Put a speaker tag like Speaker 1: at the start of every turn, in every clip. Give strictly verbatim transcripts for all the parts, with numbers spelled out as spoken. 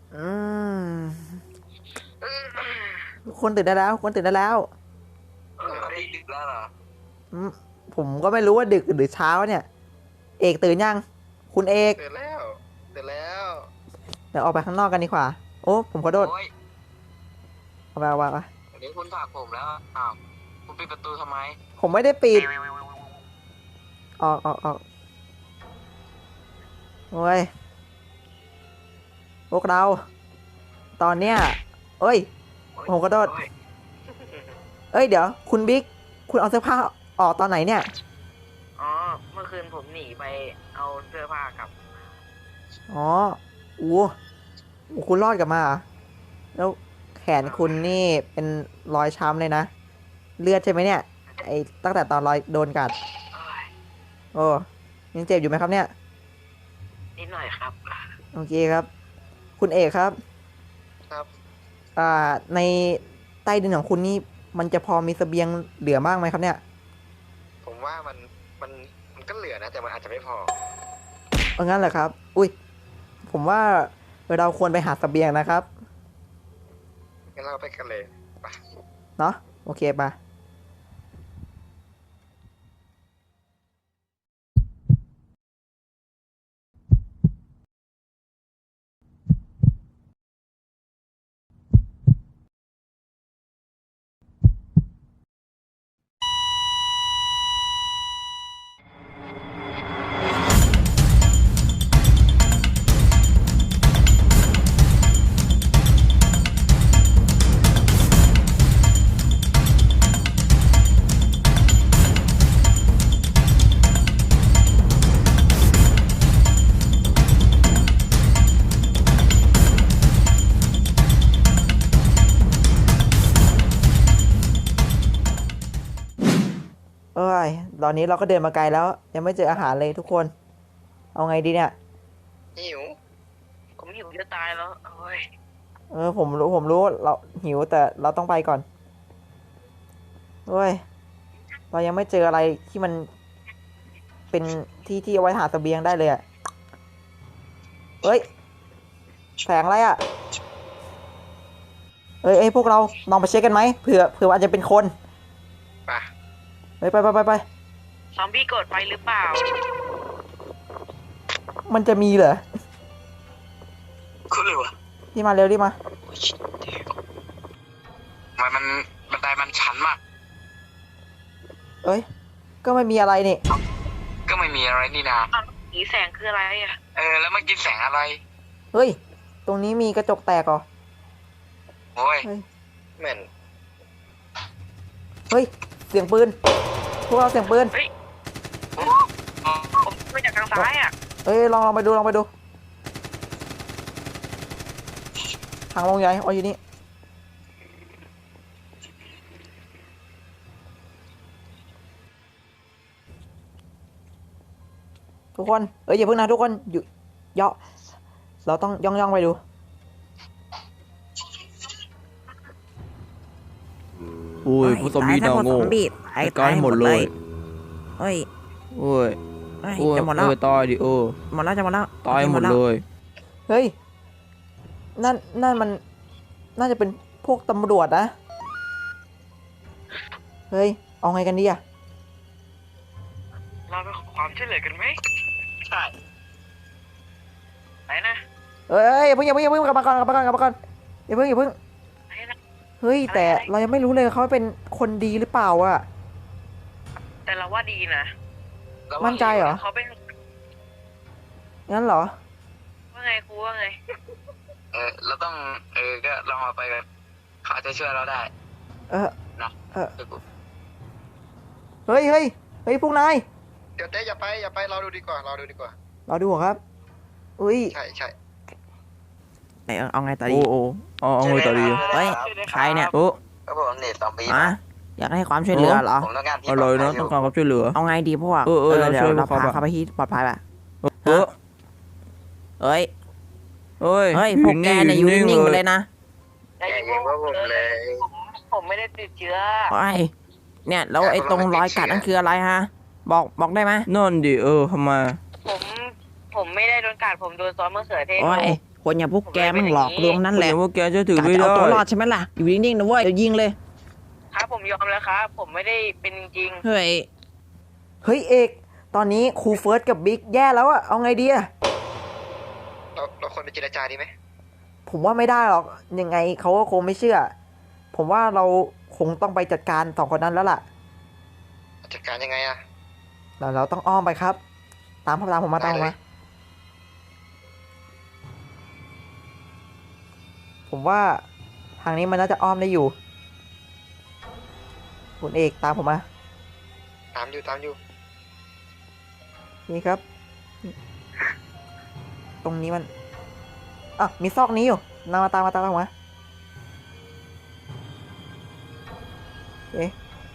Speaker 1: อืมทุกคนตื่นได้แล้วทุกคนตื่นได้แล้ว
Speaker 2: เออได้ดึกแล้วเหรอ
Speaker 1: อืมผมก็ไม่รู้ว่าดึกหรือเช้าเนี่ยเอกตื่นยังคุณเอก
Speaker 3: ตื่นแล้วตื่นแล้ว
Speaker 1: เดี๋ยวออกไปข้างนอกกันดีกว่าโอ้ผมขอโทษ
Speaker 2: โอ้ย
Speaker 1: เอาไปเอาไปเอาไป
Speaker 2: เดี๋ยวคุณผลักผมแล้วอ้าวคุณปิดประตูทำไม
Speaker 1: ผมไม่ได้ปิดออกออกออกโอ้ยพวกเรา ตอนเนี้ยเอ้ยผมขอโทษ
Speaker 2: โอ้ย
Speaker 1: เอ้ยเดี๋ยวคุณบิ๊กคุณเอาเสื้อผ้าออกตอนไหนเนี่ย
Speaker 4: อ๋อ เมื่อคืนผมหนีไปเอาเสื้อผ้ากับ
Speaker 1: อ๋ออู้อู้คุณรอดกลับมาเหรอแล้วแขนคุณนี่เป็นรอยช้ำเลยนะ เลือดใช่ไหมเนี่ย ไอ้ตั้งแต่ตอนรอยโดนกัด โอ้ยังเจ็บอยู่ไหมครับเนี่ย
Speaker 4: นิดหน่อยครับ
Speaker 1: โอเคครับ คุณเอกครับ
Speaker 3: ครับ
Speaker 1: อ่า ในใต้ดินของคุณนี่มันจะพอมีเสบียงเหลือมากไหมครับเนี่ย
Speaker 3: ผมว่ามันมันมันก็เหลือนะแต่มันอาจจะไม่พอ
Speaker 1: เอางั้นเหรอครับ อุ้ย ผมว่าเราควรไปหาเสบียงนะครับ
Speaker 3: งั้นเราไปกันเลยไป
Speaker 1: เนาะโอเคปะเอ้ย ตอนนี้เราก็เดินมาไกลแล้ว ยังไม่เจออาหารเลยทุกคน เอาไงดีเนี่ย
Speaker 3: หิว
Speaker 4: ผมหิวจะตายแล้ว โอ้ย
Speaker 1: เออผมรู้ผมรู้เราหิวแต่เราต้องไปก่อนเฮ้ย เรายังไม่เจออะไรที่มัน เป็นที่ที่เอาไว้หาเสบียงได้เลยอะเฮ้ยแสงอะไรอะเอ้ยเอ้ยพวกเราลองไปเช็คกันไหมเผื่อเผื่ออาจจะเป็นคน
Speaker 3: ไป
Speaker 1: ไปไปไปไปไป
Speaker 4: ซอมบี้กดไฟหรือเปล่า
Speaker 1: มันจะมีเหรอ
Speaker 2: คุณเลยวะ
Speaker 1: ที่มาเร็วที่มา
Speaker 2: โอ้ยมันมันบันไดมันชันมาก
Speaker 1: เอ้ย ก็ไม่มีอะไรนี่
Speaker 2: ก็ไม่มีอะไรนี่นา
Speaker 4: สีแสงคืออะไรอ่ะ
Speaker 2: เออแล้วเมื่อกี้แสงอะไร
Speaker 1: เฮ้ย ตรงนี้มีกระจกแตกเหรอ
Speaker 2: โอ้ย
Speaker 1: เฮ้ย
Speaker 3: เหม็น
Speaker 1: เฮ้ย เสียงปืน พวกเราเสียงปืน
Speaker 4: เฮ้ย ผมมาจากทางซ้ายอ่ะ
Speaker 1: เอ้ยลองลองไปดูลองไปดู ทางลงใหญ่อ๋ออยู่นี่ ทุกคน เอ้ยอย่าเพิ่งนะทุกคน อยู่ย่อเราต้องย่องย่องไปดู
Speaker 5: อุ้ยผู้ซอมบี้ดาวโง่จัดการให้หมดเลย
Speaker 1: เฮ้ย
Speaker 5: โอ้ย
Speaker 1: เฮ้ย
Speaker 5: โอ้ย
Speaker 1: จะหมดแล้ว
Speaker 5: เออตายดิโอ้
Speaker 1: หมดแล้วจะหมดแล้ว
Speaker 5: ตายหมดเลย
Speaker 1: เฮ้ย นั่น นั่นมัน น่าจะเป็นพวกตำรวจนะ เฮ้ย เอาไงกันดีอะ
Speaker 4: เราไปขอความช่วยเหลือกันไหม
Speaker 2: ใช่
Speaker 4: ไปนะ
Speaker 1: เอ้ยอย่าเพิ่งอย่าเพิ่งอย่าเพิ่งกลับมาก่อนกลับมาก่อนกลับมาก่อนอย่าเพิ่งอย่าเพิ่ง
Speaker 4: ไปนะ
Speaker 1: เฮ้ย แต่เรายังไม่รู้เลยเขาเป็นคนดีหรือเปล่าอะ
Speaker 4: แต่เราว่าดีนะ
Speaker 2: แล้ว
Speaker 1: มั่นใจเหรอ
Speaker 4: เขาเป็น
Speaker 1: งั้นเหรอ
Speaker 4: ว่าไงครูว่าไง
Speaker 2: เออเราต้องเออก็ลองเอาไปกันเขาอาจจะช่วยเราได้
Speaker 1: เออ
Speaker 2: นะ
Speaker 1: เออ เฮ้ยเฮ้ยเฮ้ยพวกนาย
Speaker 3: เดี๋ยวเต้อย่าไปอย่าไปเราดูดีกว่าเราดูดีกว่า
Speaker 1: เราดูเหรอครับ อุ้ย
Speaker 3: ใช่ใช่
Speaker 6: ไหนเอาเอาไงต่อดี
Speaker 5: โอ้โอ้เอาเอาไงต่อดี
Speaker 6: เฮ้ย ใครเนี่ย
Speaker 5: โอ้
Speaker 2: ก็ผมเน็ตซอมบี้
Speaker 6: อะอยากให้ความช่วยเหลือเหรอ
Speaker 2: ผมต้องการที่
Speaker 5: อร่อยนะต้องการความช่วยเหลือ
Speaker 6: เอาไงดีพวก
Speaker 5: เออเออเรา
Speaker 6: เดี๋ย
Speaker 5: ช่ว
Speaker 6: วย เรา
Speaker 5: เขา
Speaker 6: พา
Speaker 5: ปะ
Speaker 6: เขาไปที่ปลอดภัยป่ะ
Speaker 5: เออ
Speaker 6: เฮ้ย
Speaker 5: เฮ้ย
Speaker 6: เฮ้ย พวกแกเนี่ยอยู่นิ่งๆไปเลยนะ
Speaker 3: แย่ยิงว่าผมเลย
Speaker 4: ผมไม่ได้ติดเชื้อ
Speaker 6: เฮ้ย เนี่ย แล้วไอ้ตรงรอยกัดนั่นคืออะไรฮะ บอกบอกได้ไหม
Speaker 5: นั่นดิเออทำไม
Speaker 4: ผม ผมไม่ได้โดนกัดผมโดนซอสมะเขือเทศ
Speaker 6: โอ้ย
Speaker 5: โห
Speaker 6: คนอย่างพวกแกมันหลอกลวงนั่นแหละ
Speaker 5: เดี๋ยวพวกแกจะถือก
Speaker 6: ะ
Speaker 5: ไม่
Speaker 6: จะ
Speaker 5: ได้
Speaker 6: เอาตัวรอดใช่ไหมล่ะ อยู่นิ่งๆนะเว้ย เดี๋ยวยิงเลย
Speaker 4: ครับผมยอมแล้วครับ ผมไม่ได้เป็นจริง
Speaker 6: เฮ้ย
Speaker 1: เฮ้ยเอก ตอนนี้ครูเฟิร์สกับบิ๊กแย่แล้วอะเอาไงดีอะ
Speaker 3: เราเราควรไปเจรจาดีไหม
Speaker 1: ผมว่าไม่ได้หรอก ยังไงเขาก็คงไม่เชื่อ ผมว่าเราคงต้องไปจัดการสองคนนั้นแล้วล่ะ
Speaker 3: จัดการยังไงอะ
Speaker 1: เราเราต้องอ้อมไปครับ ตามผมตามผมมาตามผม
Speaker 3: ได้เล
Speaker 1: มาย ผมว่าทางนี้มันน่าจะอ้อมได้อยู่ คุณเอกตามผมมา
Speaker 3: ตามอยู่ตามอยู่
Speaker 1: นี่ครับ ตรงนี้มันอ่ะมีซอกนี้อยู่นำมาตามมาตามผมมาโอเค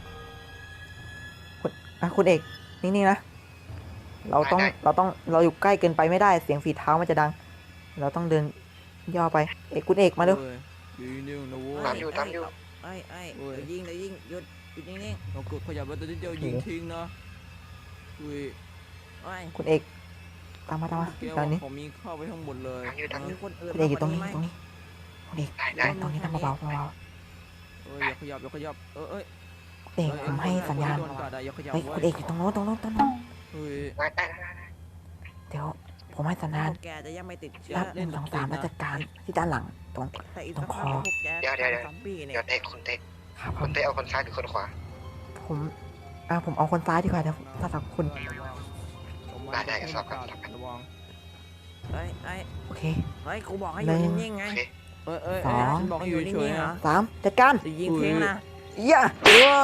Speaker 1: คุณอ่ะคุณเอกนิ่งๆนะ เราต้อง
Speaker 3: ได้
Speaker 1: เราต้องเราอยู่ใกล้เกินไปไม่ได้เสียงฝีเท้ามันจะดัง เราต้องเดินย่อไป เอกคุณเอกมาเร็ว
Speaker 5: เว้ยอยู่นิ่งๆนะเว้
Speaker 3: ตาม
Speaker 5: ย
Speaker 3: อยู่ตามอยู่
Speaker 6: ไอ้ไอ้
Speaker 5: โอ้ย
Speaker 6: เดี๋ยวยิงเดี๋ยวยิงหยุดหยุดนิ่ง
Speaker 5: เรากดขยับแล้วตัวนิดเดียวยิงทิ้งนะอุ้ย
Speaker 6: ๆไอ้
Speaker 1: คุณเอกตามมาตามมา
Speaker 5: แก
Speaker 1: ตอ
Speaker 5: ว่าน
Speaker 1: นี้
Speaker 5: ผมมีเข้าไปทั้งหมดเลย
Speaker 3: ตามอยู่ตามอ
Speaker 6: มี
Speaker 3: ยู่
Speaker 6: คนอื่น
Speaker 1: คุณเอกอยู่ตรง
Speaker 6: มาก
Speaker 1: นี้
Speaker 6: กว่านี้ไหม
Speaker 1: ตรงนี้คุณเอก
Speaker 3: ได้ได้
Speaker 1: ตรงนี้ทำเบาๆเบา
Speaker 5: เอ้ยอย่าขยับอย่าขยับเออเอ้ย
Speaker 1: ๆเอกผมให้สัญญาณ
Speaker 5: โดนกัดอะอย่าขยับ
Speaker 1: เฮ้ย
Speaker 5: ว้
Speaker 1: คุณเอกอยู่ตรงโน้นตรงโน้นตรงโน้น
Speaker 5: เฮ้ย
Speaker 3: ได้ได้ได้ได้
Speaker 1: เดี๋ยวผมให้สัญญาณ
Speaker 6: พวกแกจะยังไม่ติดเชื้อ
Speaker 1: นับหนึ่งสองสามแล้วจัดการที่ด้านหลังตรง
Speaker 6: แต่อีก
Speaker 1: ตร
Speaker 6: สั
Speaker 1: ง
Speaker 6: ก
Speaker 1: ค
Speaker 6: พั
Speaker 1: อ
Speaker 6: กพวกแก
Speaker 3: เดี๋ยวเดี๋ยวเดี๋ยว
Speaker 6: ซอมบี้เนี่ย
Speaker 3: เดี๋ยวเตะคุณเตะ
Speaker 1: ครับผ
Speaker 3: คุ
Speaker 1: ม
Speaker 3: ณเตะเอาคนซ้ายหรือคนขวา
Speaker 1: ผมอ่าผมเอาคนซ้ายดีกว่าเดี๋ยวถ้าสับคุณ
Speaker 3: ได้ได้ครับครับครับ
Speaker 5: ระวัง
Speaker 6: ไอ้ไอ้
Speaker 1: โอเค
Speaker 6: เฮ้ยกูบอกให้อยู่
Speaker 1: หนึ่ง
Speaker 6: นิ่งๆไง
Speaker 3: โอเค
Speaker 5: เอ้ยเอ้ย
Speaker 1: สอ
Speaker 5: เอ้ย
Speaker 1: ง
Speaker 5: ฉันบอกให้อยู่
Speaker 6: ให้อยู่
Speaker 5: เฉย
Speaker 6: นิ่งๆ
Speaker 5: ๆ
Speaker 6: เหร
Speaker 5: นะ
Speaker 6: อ
Speaker 1: สามจัดการ
Speaker 6: จะยิงทิ้งนะ
Speaker 1: ย่า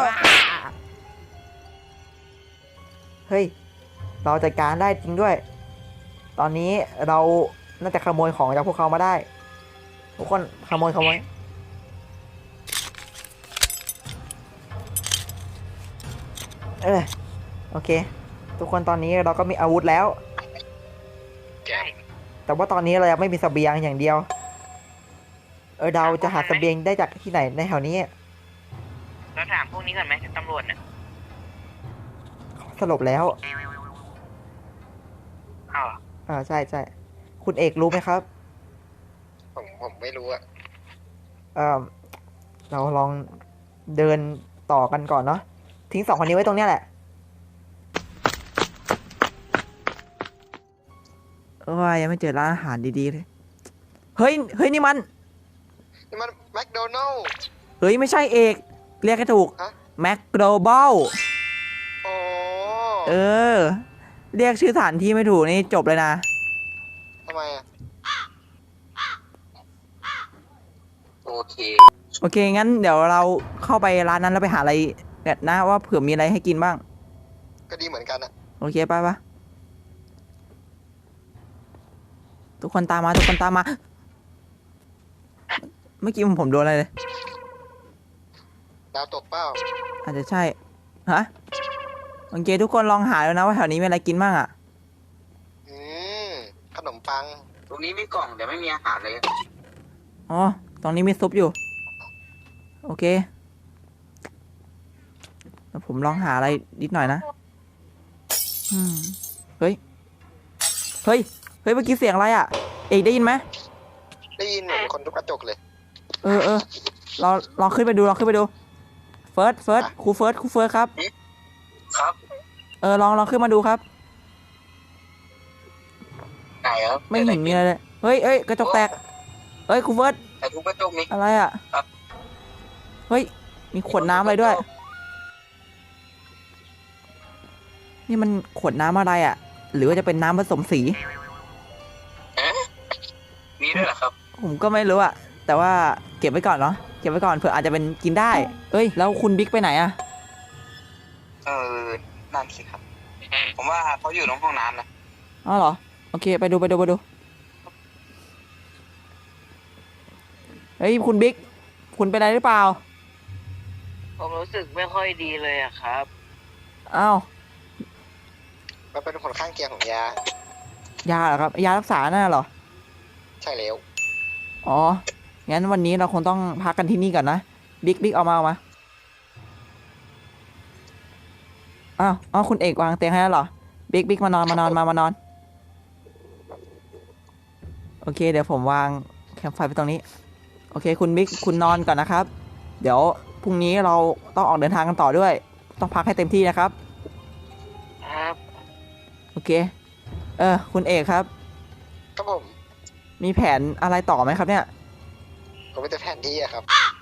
Speaker 1: เฮ้ย เราจัดการได้จริงด้วย ตอนนี้เราน่าจะขโมยของจากพวกเขามาได้ ทุกคนขโมยขโมยเออโอเค ทุกคนตอนนี้เราก็มีอาวุธแล้ว
Speaker 3: แก
Speaker 1: แต่ว่าตอนนี้เรายังไม่มีเสบียงอย่างเดียว เออเราจะหาเสบียงได้จากที่ไหนในแถวนี้
Speaker 4: เราถามพวกนี้ก่อนไหมตำรวจน่ะ
Speaker 1: สรุปแล้ว
Speaker 4: อ้าว
Speaker 1: อ่าใช่ใช่คุณเอกรู้ไหมครับ
Speaker 3: ผมผมไม่รู้อะ
Speaker 1: เออเราลองเดินต่อกันก่อนเนาะทิ้งสองคนนี้ไว้ตรงเนี้ยแหละเออยังไม่เจอร้านอาหารดีๆเลยเฮ้ยเฮ้ยนี่มัน
Speaker 3: นี่มันแมคโดนัลล์
Speaker 1: เฮ้ยไม่ใช่เอกเรียกให้ถูก
Speaker 3: ฮะ
Speaker 1: แมคโดบอล
Speaker 3: โอ้
Speaker 1: เออ เรียกชื่อสถานที่ไม่ถูกนี่จบเลยนะ
Speaker 3: ทำไมอะ
Speaker 2: โอเค
Speaker 1: โอเค งั้นเดี๋ยวเราเข้าไปร้านนั้นแล้วไปหาอะไรกันนะว่าเผื่อมีอะไรให้กินบ้าง
Speaker 3: ก็ดีเหมือนกันอะ
Speaker 1: โอเคไปปะทุกคนตามมาทุกคนตามมา เมื่อกี้ผมโดนอะไรเลย
Speaker 3: ดาวตกเป้า
Speaker 1: อาจจะใช่ ฮะ โอเคทุกคนลองหาแล้วนะว่าแถวนี้มีอะไรกินบ้างอ่ะ
Speaker 3: อืมขนมปัง
Speaker 2: ตรงนี้มีกล่องแต่ไม่มีอาหารเลย
Speaker 1: อ๋อ ตรงนี้มีซุปอยู่ โอเคแล้วผมลองหาอะไรนิดหน่อยนะ อืม เฮ้ย เฮ้ย เฮ้ย เมื่อกี้เสียงอะไรอ่ะ เอกได้ยินไหม
Speaker 3: ได้ยินเหมือนคนทุบกระจกเลย
Speaker 1: เออเออเราลองขึ้นไปดูลองขึ้นไปดู เฟิร์ส เฟิร์ส ครูเฟิร์ส ครูเฟิร์สครับ
Speaker 2: ครับ
Speaker 1: เออ ลองลองขึ้นมาดูครับ
Speaker 2: ไหนครับ
Speaker 1: ไม่เห็นมีอะไรเลย เฮ้ยเฮ้ย กระจกแตก เฮ้ย ครูเฟิร์ส
Speaker 2: แต่ทุกกระจกนี้
Speaker 1: อะไรอ่ะ
Speaker 2: ครับ
Speaker 1: เฮ้ย มีขวดน้ำอะไรด้วย นี่มันขวดน้ำอะไรอ่ะ หรือว่าจะเป็นน้ำผสมสี
Speaker 2: มีด้วยเหรอครับ
Speaker 1: ผมก็ไม่รู้อ่ะ แต่ว่าเก็บไว้ก่อนเนาะ เก็บไว้ก่อนเผื่ออาจจะเป็นกินได้ เอ้ย แล้วคุณบิ๊กไปไหนอ่ะ
Speaker 2: เออ นั่นสิครับ ผมว่าเขาอยู่ในห้องน้ำนะ
Speaker 1: อ๋อเหรอ โอเค ไปดูไปดูไปดู เฮ้ย คุณบิ๊ก คุณเป็นอะไรหรือเปล่า
Speaker 4: ผมรู้สึกไม่ค่อยดีเลยอะครับ
Speaker 1: อ้าว
Speaker 3: มันเป็นผลข้างเคียงของยา
Speaker 1: ยาเหรอครับ ยารักษาน่ะเหรอ
Speaker 3: ใช่แล้ว
Speaker 1: อ๋อ งั้นวันนี้เราคงต้องพักกันที่นี่ก่อนนะ บิ๊กบิ๊กเอามาเอามา อ้าวอ้าวคุณเอกวางเตียงให้แล้วเหรอ บิ๊กบิ๊กมานอนมานอนมามานอน โอโอเค เดี๋ยวผมวางแคมป์ไฟไปตรงนี้ โอเค คุณมิกคุณนอนก่อนนะครับ เดี๋ยวพรุ่งนี้เราต้องออกเดินทางกันต่อด้วย ต้องพักให้เต็มที่นะครับ
Speaker 4: ครับ
Speaker 1: โอเค เออ คุณเอกครับ
Speaker 3: ครับผม
Speaker 1: มีแผนอะไรต่อไหมครับเนี่ย
Speaker 3: ก็ไม่แต่แผนที่อะครับ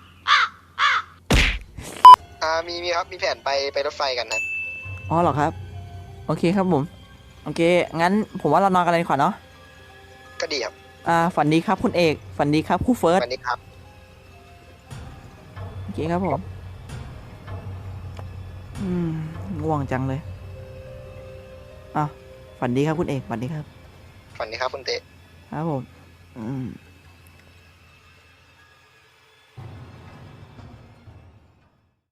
Speaker 3: อ่ามีมีครับมีแผนไปไปรถไฟกันนะ
Speaker 1: อ๋อเหรอครับ โอเคครับผม โอเค งั้นผมว่าเรานอนกันเลยดีกว่าเนาะ
Speaker 3: ก็ดีครับ
Speaker 1: อ่า ฝันดีครับคุณเอก ฝันดีครับครูเฟิร์ส
Speaker 3: วันนี้ครับ
Speaker 1: โอเคครับผม อืมง่วงจังเลยอ่ะฝันดีครับคุณเอก ฝันดีครับ
Speaker 3: ฝันนี้ครับคุณเตะ
Speaker 1: ครับผม อืม